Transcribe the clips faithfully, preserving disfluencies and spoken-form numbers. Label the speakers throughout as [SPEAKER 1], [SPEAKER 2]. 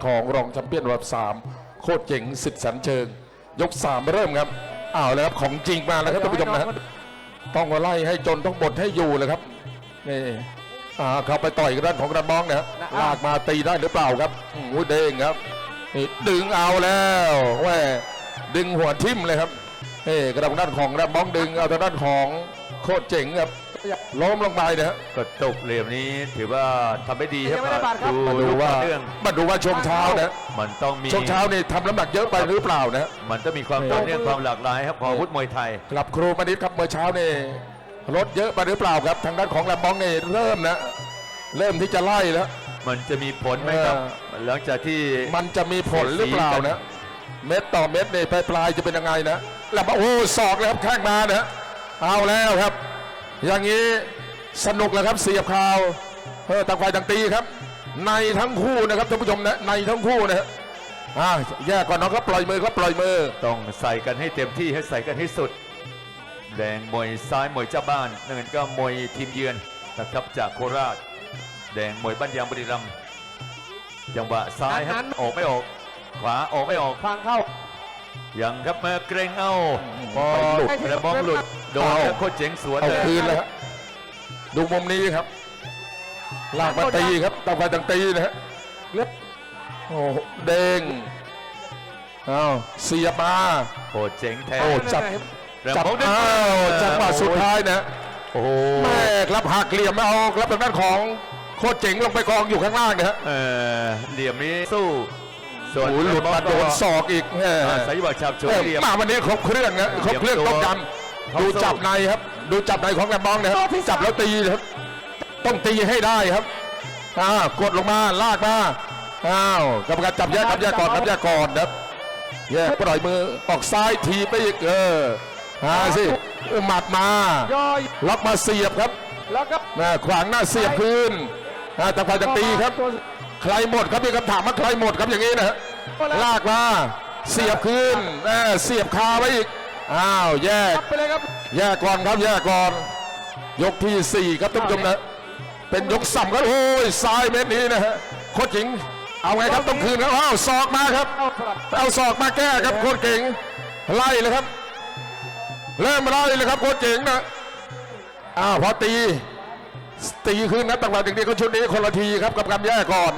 [SPEAKER 1] ของรองแชมเปี้ยนระดับสามโคตรเจ๋งสิทธิ์สันเชิงยกสามเริ่มครับอ้าวแล้วครับของจริงมาแล้วครับท่านผู้ชมนะต้องมาไล่ให้จนต้องบดให้อยู่เลยครับนี่อ่าเข้าไปต่อยกันด้านของระบองนะลากมาตีได้หรือเปล่าครับโอ้เด้งครับนี่ดึงเอาแล้วแหวดึงหัวทิ่มเลยครับเฮ้กระด้านของระบองดึงเอาทางด้านของโคตรเจ๋งครับล้มลงไปนะฮะ
[SPEAKER 2] กระตกเหลี่ยมนี้ถือว่าทำได้ดีครับ
[SPEAKER 1] ดูมาดูว่ามาดูว่าช่วงเช้านะ
[SPEAKER 2] มันต้องมี
[SPEAKER 1] ช่วงเช้านี่ทำน้ำหนักเยอะไปหรือเปล่านะ
[SPEAKER 2] มันต้องมีความต่อเนื่องความหลากหลายครับของอาวุธมวยไทย
[SPEAKER 1] ครับครูมณิษฐ์ครับเมื่อเช้านี่ลดเยอะไปหรือเปล่าครับทางด้านของลำบองนี่เริ่มนะเริ่มที่จะไล่แล้ว
[SPEAKER 2] มันจะมีผลไหมครับหลังจากที่
[SPEAKER 1] มันจะมีผลหรือเปล่านะเม็ดต่อเม็ดนี่ปลายปลายจะเป็นยังไงนะแล้วโอ้ศอกเลยครับแข้งมานะเอาแล้วครับ อย่างนี้สนุกเลยครับเสียบข่าวเออต่างฝ่ายต่างตีครับในทั้งคู่นะครับท่านผู้ชมนะในทั้งคู่นะอ่าแยกก่อนน้องครับปล่อยมือครับปล่อยมือ
[SPEAKER 2] ต้องใส่กันให้เต็มที่ให้ใส่กันให้สุดแดงมวยซ้ายมวยเจ้าบ้านนั่นก็มวยทีมเยือนนะครับจากโคราชแดงมวยบ้านยางบุรีรัมย์จังหวะซ้ายครับออกไม่ออกขวาออกไม่ออก
[SPEAKER 3] ทางเข้า
[SPEAKER 2] ยังครับมาเกรงเอาพอ
[SPEAKER 1] หลุด
[SPEAKER 2] ระบองหลุดโดนแล้วโคตรเจ๋งสวน
[SPEAKER 1] เอา
[SPEAKER 2] เลย
[SPEAKER 1] คืนเลยครับดูมุมนี้ครับลากมาตีครับต่างฝ่ายต่างตีนะฮะโอ้เด้งเอาเสียบมา
[SPEAKER 2] โคตรเจ๋งแท้
[SPEAKER 1] โอ้จับ
[SPEAKER 2] ระ
[SPEAKER 1] จับบ
[SPEAKER 2] องดึง
[SPEAKER 1] อ้าวจังหวะสุดท้ายนะ
[SPEAKER 2] โอ้โห
[SPEAKER 1] แม่รับหักเหลี่ยมเอารับทางด้านของโคตรเจ๋งลงไปกองอยู่ข้างล่างนะฮะ
[SPEAKER 2] เออเหลี่ยมนี้สู้ส่วน
[SPEAKER 1] โอ้ยหลุดมาโดนศอกอีกแม่
[SPEAKER 2] อาศัยจังหวะฉับฉวยเหลี่ยม
[SPEAKER 1] มาวันนี้ครบเครื่องนะครบเครื่องต้องจำดูจับในครับ ดูจับในของแรมบองนะครับจับแล้วตีนะครับต้องตีให้ได้ครับอ่ากดลงมาลากมาอ้าวกรรมการจับแยกครับแยกก่อนครับแยกก่อนนะครับแยกปล่อยมือออกซ้ายทีไปอีกเออหาสิหมัดมา
[SPEAKER 3] ย่อย
[SPEAKER 1] ล็อกมาเสียบครับ
[SPEAKER 3] แล้วก็
[SPEAKER 1] นะขวางหน้าเสียบคืนอ่าต่างฝ่ายต่างตีครับ ใครหมดครับมีคำถามว่าใครหมดครับอย่างนี้นะฮะลากมาเสียบคืนเออเสียบคาไว้อีกอ้าวแยก
[SPEAKER 3] ไปเลยครับ
[SPEAKER 1] แยกก่อนครับแยกก่อนยกที่สี่ครับท่านผู้ชมนะเป็นยกสัมครับโอ้ยซ้ายเม็ดนี้นะฮะโคตรเจ๋งเอาไงครับต้องคืนครับอ้าวศอกมาครับ
[SPEAKER 3] เอาสลับ
[SPEAKER 1] เอาศอกมาแก้ครับโคตรเก่งไล่เลยครับเริ่มไล่เลยครับโคตรเจ๋งนะอ้าวพอตีตีคืนนะต่างฝ่ายต่างตีก็ชุดนี้คนละทีครับกับการแยกก่อน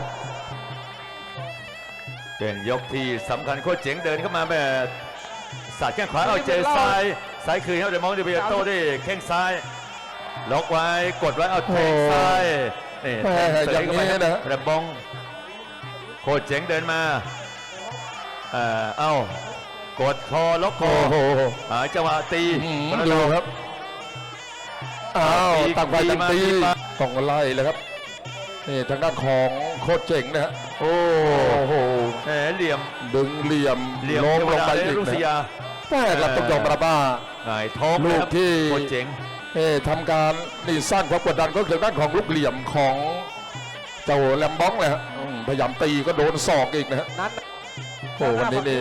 [SPEAKER 2] เป็นยกที่สำคัญโคตรเจ๋งเดินเข้ามาแบบสาดแข้งขวาเอาเจอซ้ายซ้ายคืนครับเดี๋ยวมองดูเบียโต้ด้วยแข้งซ้ายล็อกไว้กดไว้เอาแทงซ้ายนี่
[SPEAKER 1] แม่
[SPEAKER 2] แทงเส
[SPEAKER 1] อย ย่าง
[SPEAKER 2] เข้าไป
[SPEAKER 1] นี้
[SPEAKER 2] ครับ
[SPEAKER 1] นะ
[SPEAKER 2] ระบองโคตรเจ๋งเดินมาเอ่อเอ้ากดคอล็อกคอ
[SPEAKER 1] โอ้โห
[SPEAKER 2] หาจังหวะตี
[SPEAKER 1] อืมดูครับอ้าว
[SPEAKER 2] ตี
[SPEAKER 1] ต่างฝ่ายต่างตี
[SPEAKER 2] ตีมา
[SPEAKER 1] ต้องไล่เลยครับนี่ทางด้านของโคตรเจ๋งนะฮะ
[SPEAKER 2] โอ้
[SPEAKER 1] โอ้โห
[SPEAKER 2] แหมเหลี่ยม
[SPEAKER 1] ดึงเหลี่ยม
[SPEAKER 2] เหลี่ยม
[SPEAKER 1] ล้ม
[SPEAKER 2] เทว
[SPEAKER 1] ลง
[SPEAKER 2] ดา
[SPEAKER 1] ไป
[SPEAKER 2] เลย
[SPEAKER 1] อีก
[SPEAKER 2] รุษ
[SPEAKER 1] นะ
[SPEAKER 2] ยา
[SPEAKER 1] แม่เราต้องยอมรับว่า
[SPEAKER 2] หงายท้อง
[SPEAKER 1] ลูก
[SPEAKER 2] นะครับ
[SPEAKER 1] ที่
[SPEAKER 2] โคตรเจ๋ง
[SPEAKER 1] เอ่อทำการนี่สร้างความกดดันก็คือด้านของลูกเหลี่ยมของเจ้าแลมบ้องเลยฮะอืมพยายามตีก็โดนศอกอีกนะฮะ
[SPEAKER 3] นั้น
[SPEAKER 1] โอ้วันนี้นี่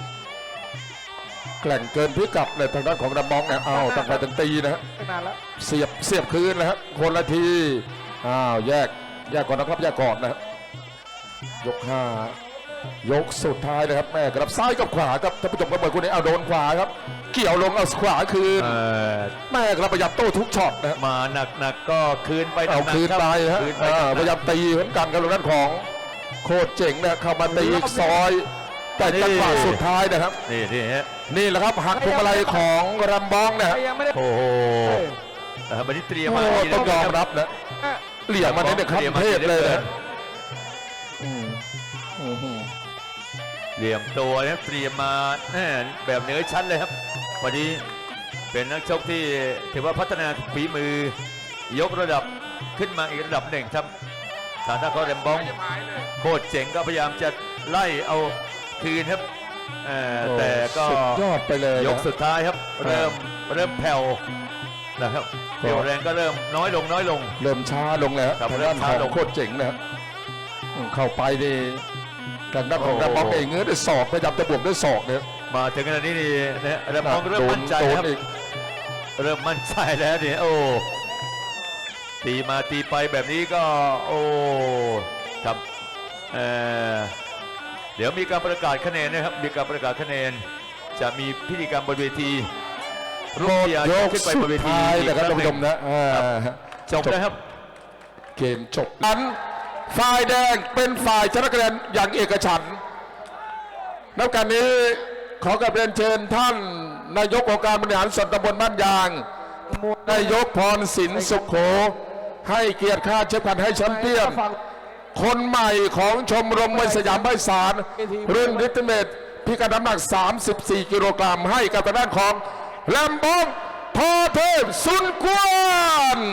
[SPEAKER 1] แกล่งเกินพิกัดเลยทางด้านของแลมบ้องเนี่ยอ้าวต่างฝ่ายต่างตีนะฮะ
[SPEAKER 3] ไม่นานแล้ว
[SPEAKER 1] เสียบเสียบคืนนะฮะคนละทีอ้าวแยกแยกก่อนนะครับแยกก่อนนะฮะยกห้ายกสุดท้ายนะครับแม่กระดับซ้ายกับขวาครับท่านผู้ชมครับเมื่อคุณนี้เอาโดนขวาครับเกี่ยวลงเอาขวาคืน
[SPEAKER 2] เอ่อ
[SPEAKER 1] แม่กระพยายามโต้ทุกช็อตนะฮะ
[SPEAKER 2] มาหนักๆก็คืนไปหนั
[SPEAKER 1] เอา
[SPEAKER 2] กๆ
[SPEAKER 1] คืน
[SPEAKER 2] รับ
[SPEAKER 1] ไปฮะ
[SPEAKER 2] คืนไป
[SPEAKER 1] อ่า
[SPEAKER 2] หนักๆ
[SPEAKER 1] พยายามตีเหมือนกันกับทางด้านของโคตรเจ๋งนะเข้ามาตีอีกซอย แต่จังหวะสุดท้ายนะครับ
[SPEAKER 2] นี่นี่ฮะ
[SPEAKER 1] นี่แหละครับหักพวงมาลัยของรัมบองนะฮะ
[SPEAKER 3] ยังไม่ได้
[SPEAKER 2] โอ้โหนะครับวันนี้เตรียม
[SPEAKER 1] โอ้
[SPEAKER 2] มาดี
[SPEAKER 1] ต้องยอม
[SPEAKER 2] นะค
[SPEAKER 1] รับนะเหลี่ยมมันเนี่ยครับเทพเลยนะอืมอืมอืม
[SPEAKER 2] เหลี่ยมตัวนะเตรียมมาแน่แบบเหนือชั้นเลยครับวันนี้เป็นนักชกที่ถือว่าพัฒนาฝีมือยกระดับขึ้นมาอีกระดับหนึ่งครับทางด้านเขาเรมบองโคตรเจ๋งก็พยายามจะไล่เอาคืนครับเอ่อแต่ก็
[SPEAKER 1] สุดยอดไปเลยนะ
[SPEAKER 2] ยกสุดท้ายครับ เริ่มเริ่มแผ่วนะครับเรี่ยวแรงก็เริ่มน้อยลงน้อยลง
[SPEAKER 1] เริ่มช้าลงแล้ว
[SPEAKER 2] ครับ
[SPEAKER 1] ทาง
[SPEAKER 2] เริ่
[SPEAKER 1] ด้าม น
[SPEAKER 2] ช้า
[SPEAKER 1] ข
[SPEAKER 2] ล
[SPEAKER 1] อง งโคตรเจ๋งนะฮะอืมเข้าไปดีทางด้านของ
[SPEAKER 2] โอ้
[SPEAKER 1] รัมบองเองเงื้อด้วยศอกพยายามจะบวกด้วยศอกเนี่ย
[SPEAKER 2] มาถึงขนาดนี้นี่นะเรมบองเริ่มมั่นใจ
[SPEAKER 1] โด
[SPEAKER 2] ครับ
[SPEAKER 1] อีก
[SPEAKER 2] เริ่มมั่นใจแล้วเนี่ยโอ้ตีมาตีไปแบบนี้ก็โอ้ครับเอ่อเดี๋ยวมีการประกาศคะแนนนะครับ มีการประกาศคะแนน จะมีพิธีกรรมบนเวที
[SPEAKER 1] โลดยก
[SPEAKER 2] ขึ้นไป
[SPEAKER 1] สุ
[SPEAKER 2] บนเว
[SPEAKER 1] ด
[SPEAKER 2] ที
[SPEAKER 1] ท้าย
[SPEAKER 2] อีก
[SPEAKER 1] นะครับ
[SPEAKER 2] ครั้
[SPEAKER 1] ท่าง น
[SPEAKER 2] ห
[SPEAKER 1] ผู้ช
[SPEAKER 2] นึ่
[SPEAKER 1] ม
[SPEAKER 2] ง
[SPEAKER 1] นะอ่า
[SPEAKER 2] จบนะครับ
[SPEAKER 1] เกมจบนั้นฝ่ายแดงเป็นฝ่ายชนะคะแนนอย่างเอกฉันท์นับการนี้ขอกราบเรียนเชิญท่านนายกองค์การบริหารส่วนตำบลบ้านยางนายกพรศิลป์สุขโขให้เกียรติค่าเชฟพันให้แชมเปี้ยน คนใหม่ของชมรมมวยสยามไพศาลรุ่นดิสเมตพิกัดน้ำหนัก สามสิบสี่ กิโลกรัมให้กับทางด้านของแลมบองพอเทพสุนกวน